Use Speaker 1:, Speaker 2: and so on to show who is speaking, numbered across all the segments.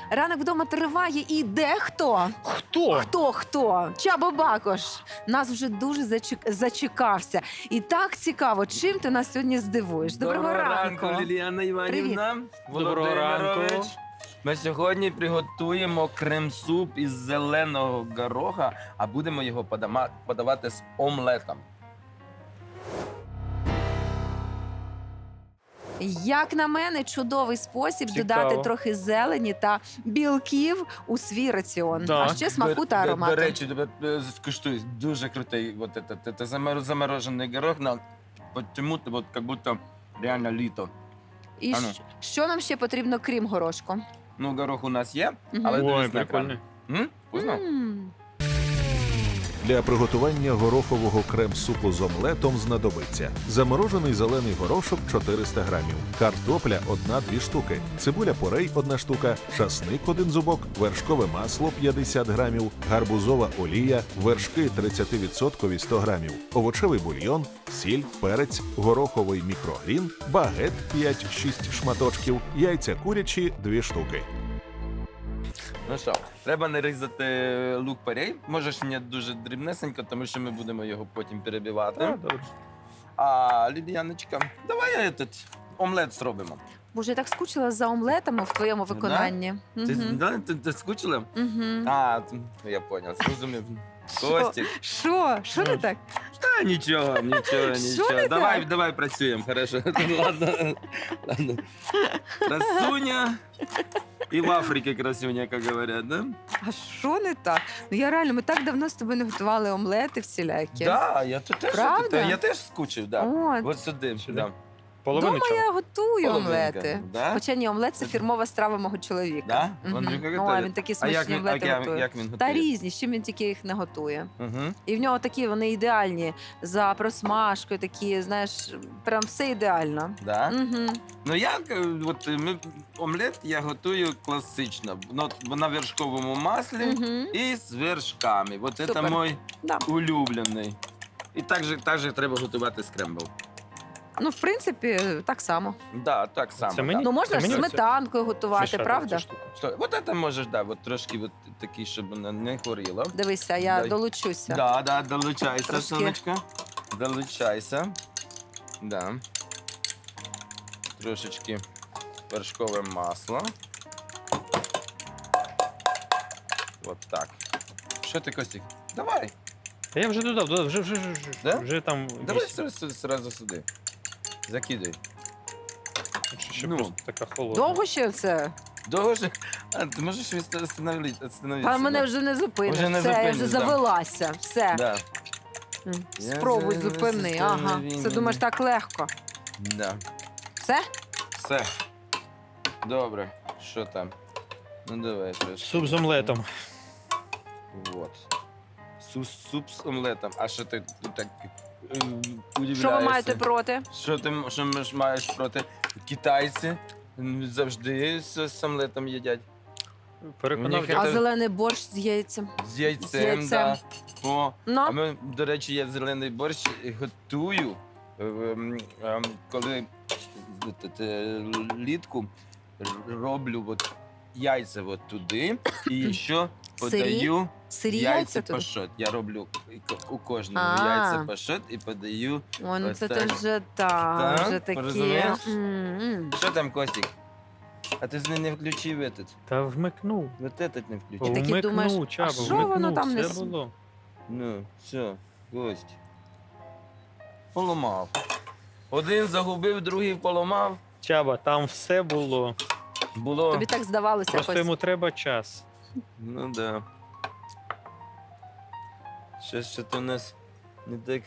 Speaker 1: Ранок вдома триває і дехто. Хто? Чабо Бакош нас вже дуже зачекався. І так цікаво, чим ти нас сьогодні здивуєш. Доброго ранку.
Speaker 2: Ліліана Іванівна.
Speaker 3: Доброго ранку.
Speaker 2: Володимирович. Ми сьогодні приготуємо крем-суп із зеленого гороха, а будемо його подавати з омлетом.
Speaker 1: Як на мене, чудовий спосіб
Speaker 3: Цікаво.
Speaker 1: додати трохи зелені та білків у свій раціон.
Speaker 3: Так.
Speaker 1: А ще смаку та аромату.
Speaker 2: До речі, скуштуй, дуже крутий. Вот это заморожений горох, почему-то вот как будто реально літо.
Speaker 1: І
Speaker 2: Ану.
Speaker 1: що нам ще потрібно, крім горошку?
Speaker 2: Ну, горох у нас є,
Speaker 1: Мгм.
Speaker 2: але
Speaker 3: Ой,
Speaker 2: дивись на екран.
Speaker 3: прикольно.
Speaker 2: Вкусно?
Speaker 4: Для приготування горохового крем-супу з омлетом знадобиться заморожений зелений горошок 400 грамів, картопля 1-2 штуки, цибуля порей 1 штука, часник 1 зубок, вершкове масло 50 грамів, гарбузова олія, вершки 30% 100 грамів, овочевий бульйон, сіль, перець, гороховий мікрогрін, багет 5-6 шматочків, яйця курячі 2 штуки.
Speaker 2: Ну що, треба нарізати лук порей. Можеш не дуже дрібнесенько, тому що ми будемо його потім перебивати.
Speaker 3: Так, добре.
Speaker 2: А, Ліліяночка, давай омлет зробимо.
Speaker 1: Боже, я так скучила за омлетами в твоєму виконанні.
Speaker 2: Ти скучила?
Speaker 1: Мгм.
Speaker 2: А, я зрозумів, зрозумів. Костік.
Speaker 1: Що не так?
Speaker 2: Та нічого.
Speaker 1: Що не
Speaker 2: Давай працюємо, хорошо. Ладно. Красуня. І в Африці красуня, як говорять, да?
Speaker 1: А що не так? Ну я реально, ми так давно з тобою не готували омлети всілякі.
Speaker 2: Да, я тут теж,
Speaker 1: Правда?
Speaker 2: я теж скучив, да.
Speaker 1: От.
Speaker 2: От сюди.
Speaker 3: Сюди?
Speaker 2: Да.
Speaker 3: Половину
Speaker 1: Дома
Speaker 3: чого?
Speaker 1: я готую
Speaker 2: Половинка,
Speaker 1: омлети.
Speaker 2: да?
Speaker 1: Хоча ні, омлет це фірмова страва мого чоловіка.
Speaker 2: Да?
Speaker 1: Мгм.
Speaker 2: Андрюха
Speaker 1: Ну,
Speaker 2: готує?
Speaker 1: а він такі
Speaker 2: А
Speaker 1: смачні
Speaker 2: як він,
Speaker 1: омлети готує.
Speaker 2: як він
Speaker 1: Та
Speaker 2: готує?
Speaker 1: різні, з чим він тільки їх не готує.
Speaker 2: Угу.
Speaker 1: І в нього такі, вони ідеальні. За просмажкою такі, знаєш, прям все ідеально.
Speaker 2: Да?
Speaker 1: Угу.
Speaker 2: Ну омлет я готую класично, на вершковому маслі
Speaker 1: Угу.
Speaker 2: і з вершками. От це
Speaker 1: Супер.
Speaker 2: мій
Speaker 1: Да.
Speaker 2: улюблений. І так же треба готувати скрембл.
Speaker 1: Ну, в принципі, так само.
Speaker 2: Да, так само.
Speaker 3: Це мені?
Speaker 1: Ну, можна
Speaker 3: Це
Speaker 1: ж
Speaker 3: мені
Speaker 1: сметанкою готувати,
Speaker 3: Мішати
Speaker 1: правда?
Speaker 3: цю штуку.
Speaker 2: Що, от це можеш, да, от трошки от такий, щоб вона не горіла.
Speaker 1: Дивися, я
Speaker 2: Дай.
Speaker 1: долучуся.
Speaker 2: Да, долучайся,
Speaker 1: Трошки.
Speaker 2: сонечка. Долучайся. Да. Трошечки вершкове масло. От так. Що ти, Костік? Давай.
Speaker 3: Та я вже додав,
Speaker 2: Да?
Speaker 3: вже там
Speaker 2: Давай
Speaker 3: 8.
Speaker 2: сразу сюди. Закидай.
Speaker 3: Ще
Speaker 2: Ну.
Speaker 3: просто така холодна.
Speaker 1: Довго ще це?
Speaker 2: Довго ж? А, ти можеш остановитися.
Speaker 1: А мене вже не зупиниш.
Speaker 2: Вже не
Speaker 1: Все, я
Speaker 2: зупиниш,
Speaker 1: вже
Speaker 2: да.
Speaker 1: завелася. Все.
Speaker 2: Да.
Speaker 1: Спробуй
Speaker 2: Я
Speaker 1: зупини. Ага. Це думаєш так легко.
Speaker 2: Да.
Speaker 1: Все?
Speaker 2: Все. Добре. Що там? Ну давай трошки.
Speaker 3: Суп з омлетом.
Speaker 2: Вот. Суп з омлетом. А що ти так удивляєшся?
Speaker 1: Що ви маєте проти?
Speaker 2: Що маєш проти? Китайці завжди з омлетом їдять.
Speaker 3: Переконав.
Speaker 2: Мені
Speaker 1: А
Speaker 2: Це-
Speaker 1: зелений борщ з яйцем.
Speaker 2: З яйцем,
Speaker 1: З яйцем.
Speaker 2: да. О, а
Speaker 1: Ну,
Speaker 2: ми, до речі, я зелений борщ готую, коли літку роблю от яйця от туди і ще подаю
Speaker 1: сирі
Speaker 2: яйця
Speaker 1: яйця тут.
Speaker 2: пашот. Я роблю у кожному
Speaker 1: А.
Speaker 2: яйця пашот і подаю.
Speaker 1: Ой, ну
Speaker 2: Ось
Speaker 1: це
Speaker 2: так.
Speaker 1: ти вже
Speaker 2: Так,
Speaker 1: вже такі.
Speaker 2: розумієш?
Speaker 1: М-м.
Speaker 2: Що там, Костік? А ти не включив этот?
Speaker 3: Та вмикнув.
Speaker 2: Вот этот не включив.
Speaker 1: таки
Speaker 3: Вмикнув,
Speaker 1: думаєш,
Speaker 3: Чабо,
Speaker 1: а що воно
Speaker 3: вмикнув,
Speaker 1: там не
Speaker 3: все
Speaker 1: с-
Speaker 3: було.
Speaker 2: Ну, все, гость. Поламав. Один загубив, другий поламав.
Speaker 3: Чаба, там все було.
Speaker 2: Було.
Speaker 1: Тобі так здавалося
Speaker 3: Просто
Speaker 1: якось.
Speaker 3: йому треба час.
Speaker 2: Ну да. Що то у нас не так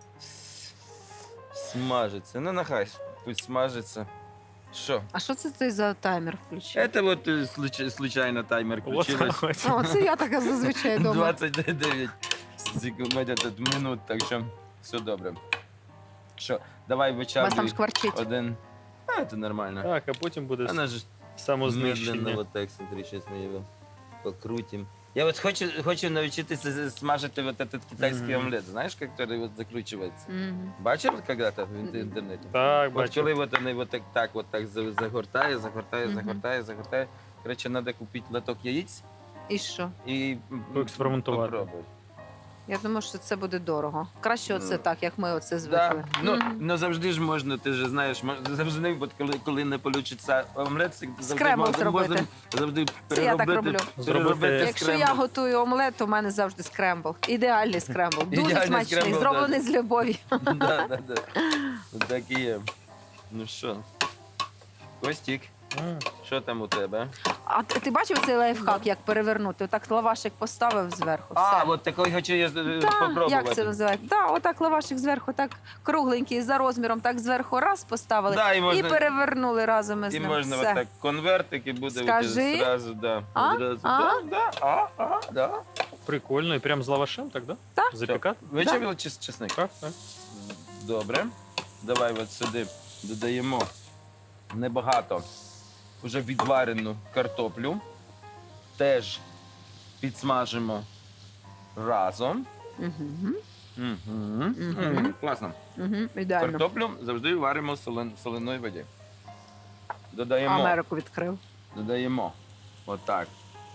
Speaker 2: смажиться. Ну, нехай, пусть смажиться. Що?
Speaker 1: А що це ти за таймер включив?
Speaker 2: Это вот случайно таймер
Speaker 3: От,
Speaker 2: включилось.
Speaker 3: ось.
Speaker 1: О, це я така зазвичай дома.
Speaker 2: 29 минут, так що все добре. Що, давай
Speaker 1: У вас там
Speaker 2: вичавлюй
Speaker 1: шкварчить.
Speaker 2: один. А, це нормально.
Speaker 3: Так, а потім буде
Speaker 2: Она же медленно,
Speaker 3: самознищення.
Speaker 2: вот так, смотри, сейчас мы его покрутим. Я вот хочу навчитися смажити вот этот китайский
Speaker 3: Мгм.
Speaker 2: омлет, знаешь, который вот закручивается.
Speaker 1: Мгм.
Speaker 2: Бачив когда-то в інтернеті?
Speaker 3: Так,
Speaker 2: От
Speaker 3: бачу.
Speaker 2: коли от вони так загортає,
Speaker 1: Мгм.
Speaker 2: загортає, Коротше, треба купити лоток яєць
Speaker 1: І що?
Speaker 2: і
Speaker 3: Поекспериментувати.
Speaker 2: попробуй.
Speaker 1: Я думаю, що це буде дорого. Краще оце
Speaker 2: Ну,
Speaker 1: так, як ми оце
Speaker 2: Да.
Speaker 1: звикли.
Speaker 2: Ну,
Speaker 1: Мгм.
Speaker 2: ну завжди ж можна, ти ж знаєш, завжди, от коли не вийде омлет, завжди
Speaker 1: Скрембл зробити.
Speaker 2: можна завжди
Speaker 1: Це я так
Speaker 2: переробити,
Speaker 1: роблю.
Speaker 2: переробити
Speaker 1: Якщо я
Speaker 2: скрембл.
Speaker 1: готую омлет, то в мене завжди скрембл. Ідеальний скрембл. Дуже
Speaker 2: Ідеальний
Speaker 1: смачний,
Speaker 2: скрембл,
Speaker 1: зроблений з любов'ю.
Speaker 2: Да. Так і є. Ну що, Костік, що там у тебе?
Speaker 1: А ти бачив цей лайфхак, як перевернути? Отак лавашик поставив зверху.
Speaker 2: А,
Speaker 1: все.
Speaker 2: от такий хочу я
Speaker 1: Да,
Speaker 2: попробувати.
Speaker 1: як це називається? Да, отак лавашик зверху, так кругленький за розміром, так зверху раз поставили
Speaker 2: Да, і
Speaker 1: і
Speaker 2: можна,
Speaker 1: перевернули разом із
Speaker 2: і
Speaker 1: ним.
Speaker 2: можна
Speaker 1: Все.
Speaker 2: отак конвертик і буде
Speaker 1: Скажи.
Speaker 2: одразу, да.
Speaker 1: А?
Speaker 2: Одразу.
Speaker 1: А?
Speaker 2: Да.
Speaker 3: Прикольно. І прям з лавашем, так, да?
Speaker 1: Так.
Speaker 3: Запікати?
Speaker 2: Вичавили чесник?
Speaker 3: Так, так.
Speaker 2: Добре. Давай от сюди додаємо небагато вже відварену картоплю. Теж підсмажимо разом.
Speaker 1: Угу.
Speaker 2: Угу. Класно.
Speaker 1: Угу. Ідеально.
Speaker 2: Картоплю завжди варимо в соленої воді. Додаємо.
Speaker 1: Америку відкрив.
Speaker 2: Додаємо. Отак.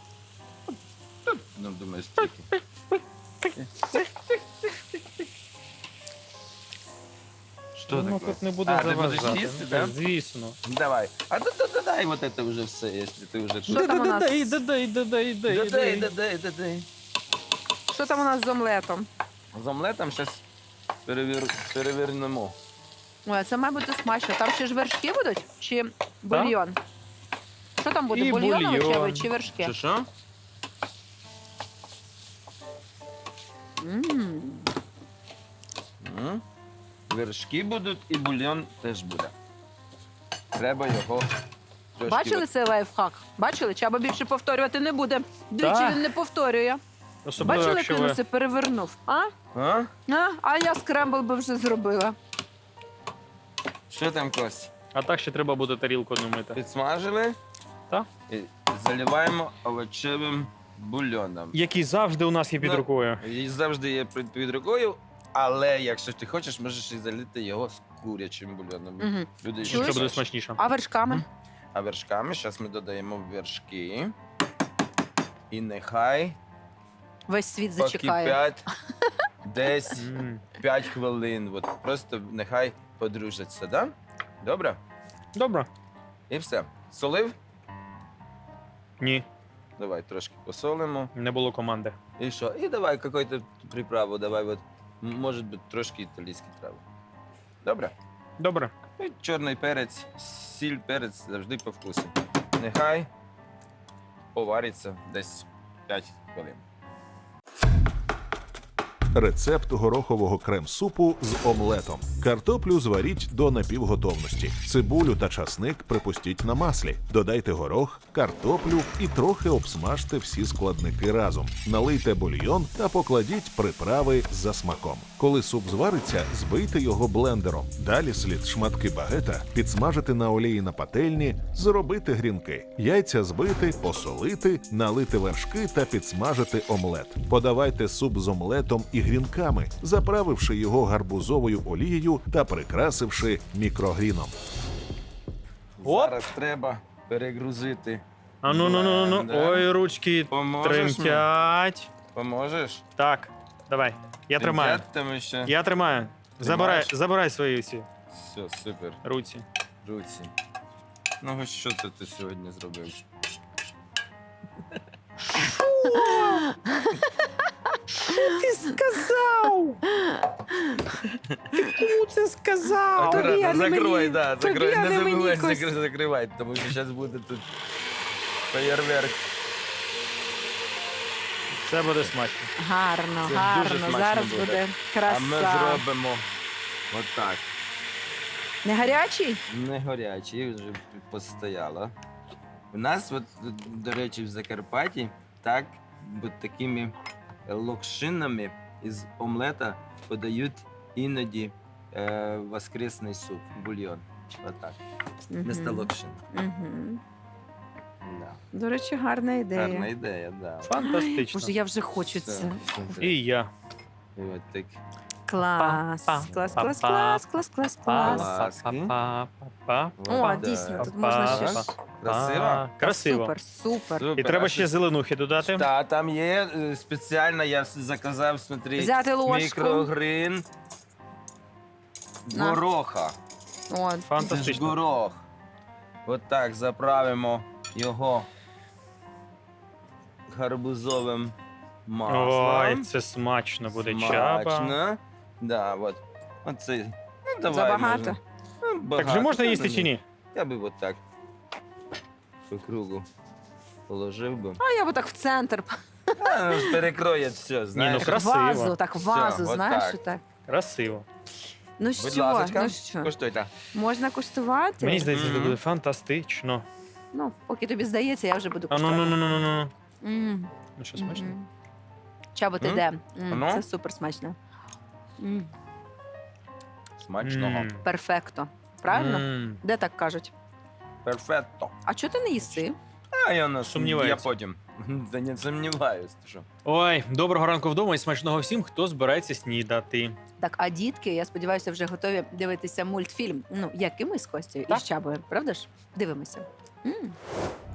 Speaker 2: Ну, думаю, стільки. Що
Speaker 3: Ну,
Speaker 2: таке?
Speaker 3: тут не буде
Speaker 2: А, ти будеш
Speaker 3: заважати.
Speaker 2: їсти,
Speaker 3: Ну,
Speaker 2: да?
Speaker 3: Звісно.
Speaker 2: Давай. А додай вот это вже все, якщо ти вже
Speaker 1: Що там у нас?
Speaker 3: Додай.
Speaker 2: Додай.
Speaker 1: Що там у нас з омлетом?
Speaker 2: З омлетом зараз перевернемо.
Speaker 1: Ой, це має бути смачно. Там ще ж вершки будуть? Чи бульйон? Що там буде?
Speaker 3: І
Speaker 1: Бульйон
Speaker 3: бульйон.
Speaker 1: овочевий чи вершки?
Speaker 2: Чи що?
Speaker 1: М.
Speaker 2: М. Вершки будуть і бульйон теж буде. Треба його трошки...
Speaker 1: Бачили цей лайфхак? Бачили? Чаба більше повторювати не буде. Двічі
Speaker 3: Так.
Speaker 1: він не повторює.
Speaker 3: Особливо,
Speaker 1: Бачили, як
Speaker 3: якщо
Speaker 1: він
Speaker 3: ви...
Speaker 1: усе перевернув? А?
Speaker 2: А?
Speaker 1: А я скрембл би вже зробила.
Speaker 2: Що там, Кость?
Speaker 3: А так ще треба буде тарілку не мити.
Speaker 2: Підсмажили?
Speaker 3: Так.
Speaker 2: І заливаємо овочевим бульйоном.
Speaker 3: Який завжди у нас є під
Speaker 2: Ну,
Speaker 3: рукою.
Speaker 2: І завжди є під рукою, але якщо ти хочеш, можеш і залити його з курячим бульйоном.
Speaker 1: Угу.
Speaker 2: Люди
Speaker 3: Що
Speaker 2: ще
Speaker 3: буде
Speaker 2: краще.
Speaker 3: смачніше.
Speaker 1: А вершками?
Speaker 2: А вершками зараз ми додаємо вершки. І нехай
Speaker 1: Весь світ зачекає.
Speaker 2: покипять десь
Speaker 3: М.
Speaker 2: 5 хвилин. От просто нехай подружаться, да? Добре?
Speaker 3: Добре.
Speaker 2: І все. Солив?
Speaker 3: Ні,
Speaker 2: Давай трошки посолимо.
Speaker 3: не було команди.
Speaker 2: І що? І давай якусь приправу, давай от, може бути трошки італійські трави. Добре?
Speaker 3: Добре.
Speaker 2: І чорний перець, сіль, перець завжди по вкусу. Нехай повариться десь 5 хвилин.
Speaker 4: Рецепт горохового крем-супу з омлетом. Картоплю зваріть до напівготовності. Цибулю та часник припустіть на маслі. Додайте горох, картоплю і трохи обсмажте всі складники разом. Налийте бульйон та покладіть приправи за смаком. Коли суп звариться, збийте його блендером. Далі слід шматки багета підсмажити на олії на пательні, зробити грінки. Яйця збити, посолити, налити вершки та підсмажити омлет. Подавайте суп з омлетом і грінками, заправивши його гарбузовою олією та прикрасивши мікрогріном.
Speaker 3: Оп!
Speaker 2: Зараз треба перегрузити.
Speaker 3: А ну.
Speaker 2: Да.
Speaker 3: Ой, ручки
Speaker 2: Поможеш мені?
Speaker 3: тремтять.
Speaker 2: Поможеш?
Speaker 3: Так, давай. Я тримаю.
Speaker 2: Тремтять там ще?
Speaker 3: Я тримаю.
Speaker 2: Тримаєш?
Speaker 3: Забирай свої всі
Speaker 2: Все, супер.
Speaker 3: руці.
Speaker 2: Руці. Ну, ось що ти сьогодні зробив?
Speaker 3: Ти сказав? Ти кому це сказав?
Speaker 1: Тобі, а не
Speaker 2: Акуратно, закрой,
Speaker 1: мені.
Speaker 2: да,
Speaker 1: Тобі,
Speaker 2: закрой,
Speaker 1: а
Speaker 2: не
Speaker 1: не мені,
Speaker 2: забувай
Speaker 1: Костя.
Speaker 2: закривати, тому що зараз буде тут феєрверк.
Speaker 3: Це буде смачно.
Speaker 1: Гарно,
Speaker 2: Це
Speaker 1: гарно.
Speaker 2: дуже смачно
Speaker 1: Зараз
Speaker 2: буде.
Speaker 1: буде
Speaker 2: А
Speaker 1: краса.
Speaker 2: ми зробимо отак.
Speaker 1: Не гарячий?
Speaker 2: Не гарячий, вже постояло. У нас, от, до речі, в Закарпатті так, от такими локшинами із омлета подають іноді воскресний суп, бульйон. Отак. Вместо локшин.
Speaker 1: Мгм.
Speaker 2: Да.
Speaker 1: До речі, гарна ідея.
Speaker 2: Гарна ідея, да.
Speaker 3: Фантастично.
Speaker 1: Боже, я вже хочу
Speaker 2: Все,
Speaker 1: це.
Speaker 2: супер.
Speaker 3: І я.
Speaker 2: І от так
Speaker 1: Клас. Клас, клас, клас, клас, клас, клас.
Speaker 2: Ласки.
Speaker 3: Па-па-па.
Speaker 1: О,
Speaker 2: Так.
Speaker 1: дійсно, тут можна ще ж.
Speaker 2: Красиво?
Speaker 3: Красиво.
Speaker 1: Супер, супер.
Speaker 3: І
Speaker 2: Супер.
Speaker 3: треба
Speaker 2: А
Speaker 3: ще зеленухи додати.
Speaker 2: Та, там є спеціально, я заказав, смотри,
Speaker 1: Взяти ложку.
Speaker 2: мікрогрин
Speaker 1: На.
Speaker 2: гороха.
Speaker 1: От.
Speaker 2: Це ж
Speaker 3: Фантастично.
Speaker 2: горох. От так заправимо його гарбузовим маслом.
Speaker 3: Ой, це смачно буде чаба.
Speaker 2: Смачно. Да, от. Оце. Ну, давай,
Speaker 1: Забагато?
Speaker 2: можна. Ну,
Speaker 3: Так
Speaker 2: багато,
Speaker 3: вже можна
Speaker 2: та,
Speaker 3: їсти
Speaker 2: ну,
Speaker 3: чи ні?
Speaker 2: Я би от так по кругу положив би.
Speaker 1: А я б так в центр.
Speaker 2: А, перекроє все, знаєш.
Speaker 3: красиво.
Speaker 1: Вазу, так вазу,
Speaker 2: Все,
Speaker 1: знаєш,
Speaker 2: отак.
Speaker 1: отак.
Speaker 3: Красиво.
Speaker 1: Ну
Speaker 2: Будь
Speaker 1: що,
Speaker 2: ласочка,
Speaker 1: ну що,
Speaker 2: коштуйте.
Speaker 1: можна куштувати?
Speaker 3: Мені здається, це
Speaker 2: Мгм.
Speaker 3: буде фантастично.
Speaker 1: Ну, поки тобі здається, я вже буду
Speaker 3: А ну
Speaker 1: куштувати.
Speaker 3: ну.
Speaker 1: М,
Speaker 3: Ну що, смачно?
Speaker 1: мгм. Чабо, ти
Speaker 2: М?
Speaker 1: де?
Speaker 2: Ну?
Speaker 1: Це супер смачно.
Speaker 2: Смачного.
Speaker 3: М.
Speaker 1: Перфекто. Правильно?
Speaker 3: М.
Speaker 1: Де так кажуть?
Speaker 2: Перфетто.
Speaker 1: А чого ти не їси?
Speaker 2: А я не
Speaker 3: Сумніваюся.
Speaker 2: Я потім. Та не сумніваюсь. ти що.
Speaker 3: Ой, доброго ранку вдома і смачного всім, хто збирається снідати.
Speaker 1: Так, а дітки, я сподіваюся, вже готові дивитися мультфільм. Ну, як і ми з Костю і
Speaker 3: Так.
Speaker 1: з Чабою, правда ж? Дивимося. М.